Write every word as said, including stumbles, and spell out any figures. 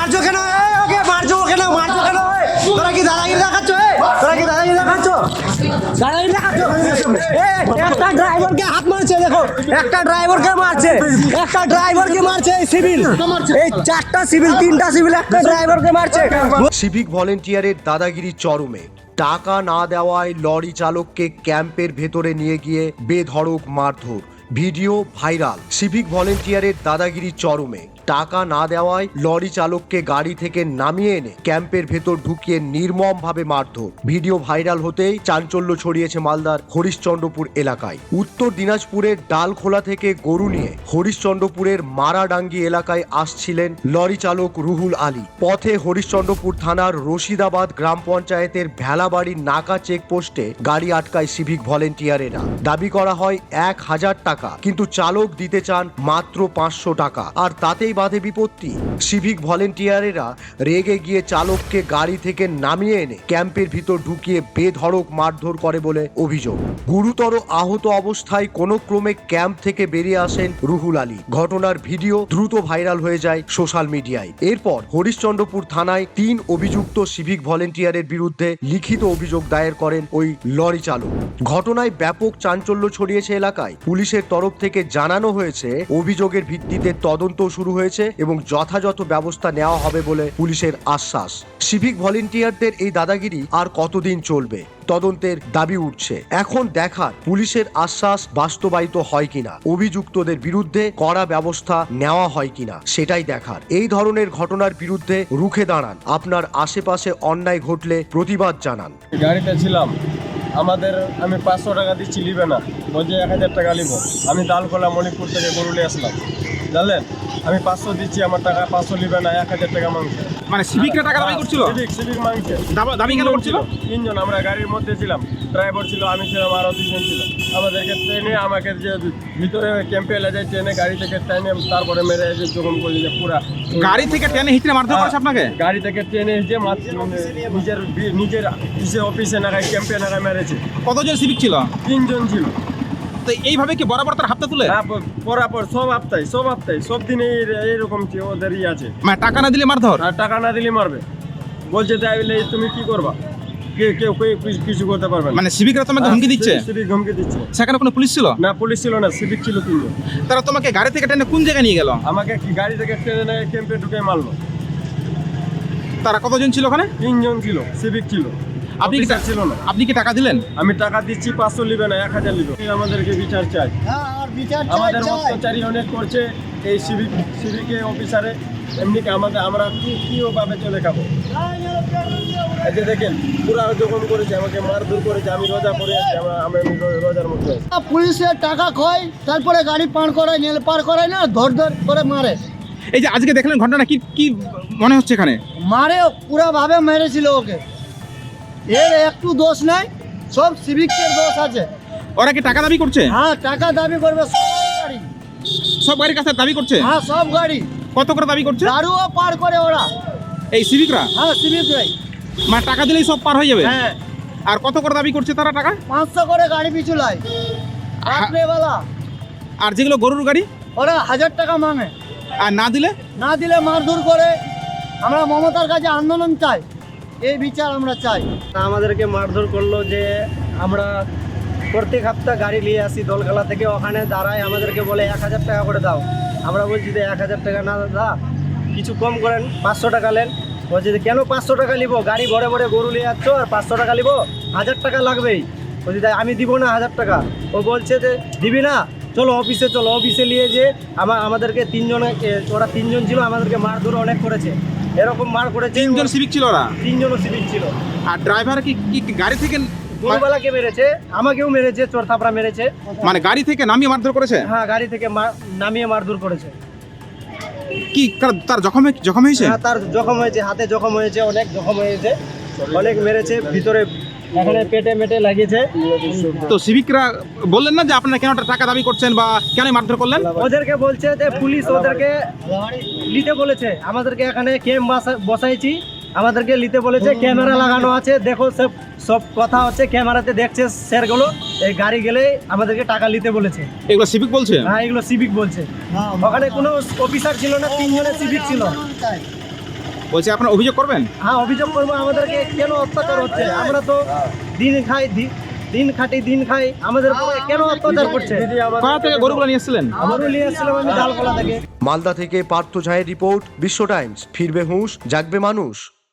মারছো কেন? ওকে মারছো কেন? মারছো কেন? তোরা কি দাদাগিরি দেখাচ্ছ? তোরা কি দাদাগিরি দেখাচ্ছ? দাদাগিরি দেখাচ্ছ? একটা ড্রাইভারকে হাত মারছে, দেখো একটা ড্রাইভারকে মারছে, একটা ড্রাইভারকে মারছে এই সিভিল, এই চারটা সিভিল, তিনটা সিভিল একটা ড্রাইভারকে মারছে। সিভিক ভলেন্টিয়ারের দাদাগিরি চরমে। টাকা না দেওয়ায় লরি চালককে ক্যাম্পের ভেতরে নিয়ে গিয়ে বেধড়ক মারধর, ভিডিও ভাইরাল। সিভিক ভলেন্টিয়ারের দাদাগিরি চরমে। টাকা না দেওয়ায় লরি চালককে গাড়ি থেকে নামিয়ে এনে ক্যাম্পের ভেতর ঢুকিয়ে নির্মমভাবে মারধর, ভিডিও ভাইরাল হতেই চাঞ্চল্য ছড়িয়েছে মালদার হরিশ্চন্দ্রপুর এলাকায়। উত্তর দিনাজপুরের ডালখোলা থেকে গরু নিয়ে হরিশ্চন্দ্রপুরের মারাডাঙ্গি এলাকায় আসছিলেন লরি চালক রুহুল আলী। পথে হরিশ্চন্দ্রপুর থানার রশিদাবাদ গ্রাম পঞ্চায়েতের ভেলাবাড়ির নাকা চেকপোস্টে গাড়ি আটকায় সিভিক ভলেন্টিয়ারেরা। দাবি করা হয় এক হাজার টাকা, কিন্তু চালক দিতে চান মাত্র পাঁচশো টাকা, আর তাতেই বাধে বিপত্তি। সিভিক ভলেন্টিয়ারেরা রেগে গিয়ে চালককে গাড়ি থেকে নামিয়ে এনে ক্যাম্পের ভিতর ঢুকিয়ে বেধড়ক মারধর করে বলে অভিযোগ। গুরুতর আহত অবস্থায় কোনো ক্রমে ক্যাম্প থেকে বেরিয়ে আসেন রুহুল আলী। ঘটনার ভিডিও দ্রুত ভাইরাল হয়ে যায় সোশ্যাল মিডিয়ায়। এরপর হরিশ্চন্দ্রপুর থানায় তিন অভিযুক্ত সিভিক ভলেন্টিয়ারের বিরুদ্ধে লিখিত অভিযোগ দায়ের করেন ওই লরি চালক। ঘটনায় ব্যাপক চাঞ্চল্য ছড়িয়েছে এলাকায়। পুলিশের তরফ থেকে জানানো হয়েছে অভিযোগের ভিত্তিতে তদন্ত শুরু হয়েছে এবং যথাযথ ব্যবস্থা নেওয়া হবে বলে পুলিশের আশ্বাস। সিভিক ভলেন্টিয়ারদের এই দাদাগিরি আর কতদিন চলবে, তদন্তের দাবি উঠছে। এখন দেখার পুলিশের আশ্বাস বাস্তবায়িত হয় কিনা, অভিযুক্তদের বিরুদ্ধে কড়া ব্যবস্থা নেওয়া হয় কিনা সেটাই দেখার। এই ধরনের ঘটনার বিরুদ্ধে রুখে দাঁড়ান, আপনার আশেপাশে অন্যায় ঘটলে প্রতিবাদ জানান। গাড়িতে ছিলাম, আমাদের আমি পাঁচশো টাকা দিচ্ছি, নিবে না, বলছে এক হাজার টাকা নিব। আমি দালকোলা মণিপুর থেকে গরু নিয়ে আসলাম, জানলেন, আমি পাঁচশো দিচ্ছি, আমার টাকা পাঁচশো নিবে না, এক হাজার টাকা মাংস। মানে সিভিকরা টাকা দাবি করছিল? সিভিক সিভিক মাংসে দাবি কেন করছিল? তিনজন, আমরা গাড়ির মধ্যে ছিলাম, ড্রাইভার ছিল, আমি ছিলাম, আরও দুজন ছিল। আমাদেরকে ট্রেনে আমাকে যে ভিতরে ক্যাম্পে এলে যায়, ট্রেনে গাড়ি থেকে ট্রেনে তারপরে মেরে এসে যখন বলি যে পুরা গাড়ি থেকে ট্রেনে হিচড়ে মারধর করেছে আপনাকে? গাড়ি থেকে ট্রেনে এসে নিজের নিজের অফিসে অফিসে নাগায় ক্যাম্পে নাগায় মেরেছে। কতজন সিভিক ছিল? তিনজন ছিল। তো এইভাবে কি বরাবর তার হাতটা তুলে? হ্যাঁ, পরাপর সব হপ্তায় সব হপ্তায় সব দিনে এইরকম ওদেরই আছে। মানে টাকা না দিলে মারধর? আর টাকা না দিলে মারবে, বলছে তাইলে তুমি কি করবা, কেউ কেউ কিছু করতে পারবে না। মানে সিভিকরা তোমাকে হুমকি দিচ্ছে? সিভিক হুমকি দিচ্ছে। সেখানে কোনো পুলিশ ছিল না? পুলিশ ছিল না, সিভিক ছিল তিনজন। তারা তোমাকে গাড়ি থেকে ট্রেনে কোন জায়গায় নিয়ে গেল? আমাকে গাড়ি থেকে ট্রেনে ক্যাম্পে ঢুকে মারলো। তারা কতজন ছিল ওখানে? তিনজন ছিল, সিভিক ছিল। আপনি কি ছিল না? আপনি কি টাকা দিলেন? আমি টাকা দিচ্ছি, পাঁচশো নিবে না, এক হাজার নিবে। আমাদেরকে বিচার চাই, আমাদের অত্যাচারী অনেক করছে এই সিভিক সিভিকে অফিসারে। এমনি কি আমাদের আমরা কি কি ওভাবে চলে খাবো? এই যে দেখেন পুরা যখন করেছে, আমাকে মারধর করেছে, আমি রোজা করে আছি, আমরা আমি রোজার মধ্যে আছি। পুলিশের টাকা খয়, তারপরে গাড়ি পার করায়, নেল পার করায় না, ধর ধর করে মারে। এই যে আজকে দেখলেন ঘটনা, কি কি মনে হচ্ছে এখানে? মারে পুরা ভাবে মেরেছিল ওকে, এর একটু দোষ নাই, সব সিভিকের দোষ আছে। ওরা কি টাকা দাবি করছে? হ্যাঁ, টাকা দাবি করবে সব গাড়ি, সব গাড়ির কাছে দাবি করছে? হ্যাঁ সব গাড়ি। কত করে দাবি করছে? দারুও পার করে ওরা, এই সিভিকরা? হ্যাঁ সিভিকরাই। মানে টাকা দিলেই সব পার হয়ে যাবে? হ্যাঁ। আর কত করে দাবি করছে তারা টাকা? পাঁচশো করে গাড়ি পিছু লাই রাত্রেবেলা। আর যেগুলো গরুর গাড়ি, ওরা হাজার টাকা মাঙে, আর না দিলে না দিলে মারধর করে। আমরা মমতার কাছে আন্দোলন চাই, এই বিচার আমরা চাই। আমাদেরকে মারধর করলো যে আমরা প্রত্যেক সপ্তাহ গাড়ি নিয়ে আসি দলখালা থেকে, ওখানে দাঁড়ায় আমাদেরকে বলে এক হাজার টাকা করে দাও। আমরা বলছি যে এক হাজার টাকা না দাদা, কিছু কম করেন, পাঁচশো টাকা নেন। বলছি যে কেন পাঁচশো টাকা নিবো, গাড়ি ভরে ভরে গরু নিয়ে যাচ্ছ আর পাঁচশো টাকা নিবো, হাজার টাকা লাগবেই। বলছি তাই আমি দিব না হাজার টাকা। ও বলছে যে দিবি না, চলো অফিসে চলো। অফিসে নিয়ে যে আমার আমাদেরকে তিনজনে, ওরা তিনজন ছিল, আমাদেরকে মারধর অনেক করেছে, এরকম মার করেছে। তিনজন সিভিক ছিল ওরা? তিনজনও সিভিক ছিল। আর ড্রাইভার কি কি গাড়ি থেকে? গরুবালাকে মেরেছে, আমাকেও মেরেছে, চোর থাপড়া মেরেছে। মানে গাড়ি থেকে নামিয়ে মারধর করেছে? হ্যাঁ, গাড়ি থেকে নামিয়ে মারধর করেছে। কি তার জখম জখম হয়েছে? হ্যাঁ, তার জখম হয়েছে, হাতে জখম হয়েছে, অনেক জখম হয়েছে, অনেক মেরেছে, ভিতরে এখানে পেটে মেটে লাগিয়েছে। তো সিভিকরা বললেন না যে আপনারা কেন টাকা দাবি করছেন বা কেন মারধর করলেন? ওদেরকে বলছে যে পুলিশ ওদেরকে নিতে বলেছে, আমাদেরকে এখানে ক্যাম্প বসাইছি, আমাদেরকে নিতে বলেছে, ক্যামেরা লাগানো আছে, দেখো সব সব কথা হচ্ছে, ক্যামেরাতে দেখছে স্যারগুলো। এই গাড়ি গেলে আমাদেরকে টাকা নিতে বলেছে। এগুলো সিভিক বলছে? হ্যাঁ, এগুলো সিভিক বলছে। ওখানে কোনো অফিসার ছিল না, তিনজনের সিভিক ছিল। বলছি আপনারা অভিযোগ করবেন? হ্যাঁ অভিযোগ করবো, আমাদেরকে কেন অত্যাচার হচ্ছে? আমরা তো দিন খাই দি- দিন খাটি দিন খাই, আমাদের উপরে কেন অত্যাচার করছে? কোথা থেকে গরুগুলো নিয়ে এসেছিলেন? আমারও নিয়ে এসেছিলাম আমি ডালকলা থেকে। মালদা থেকে পার্থ ঝায়ের রিপোর্ট, বিশ্ব টাইমস। ফিরবে হুঁশ, জাগবে মানুষ।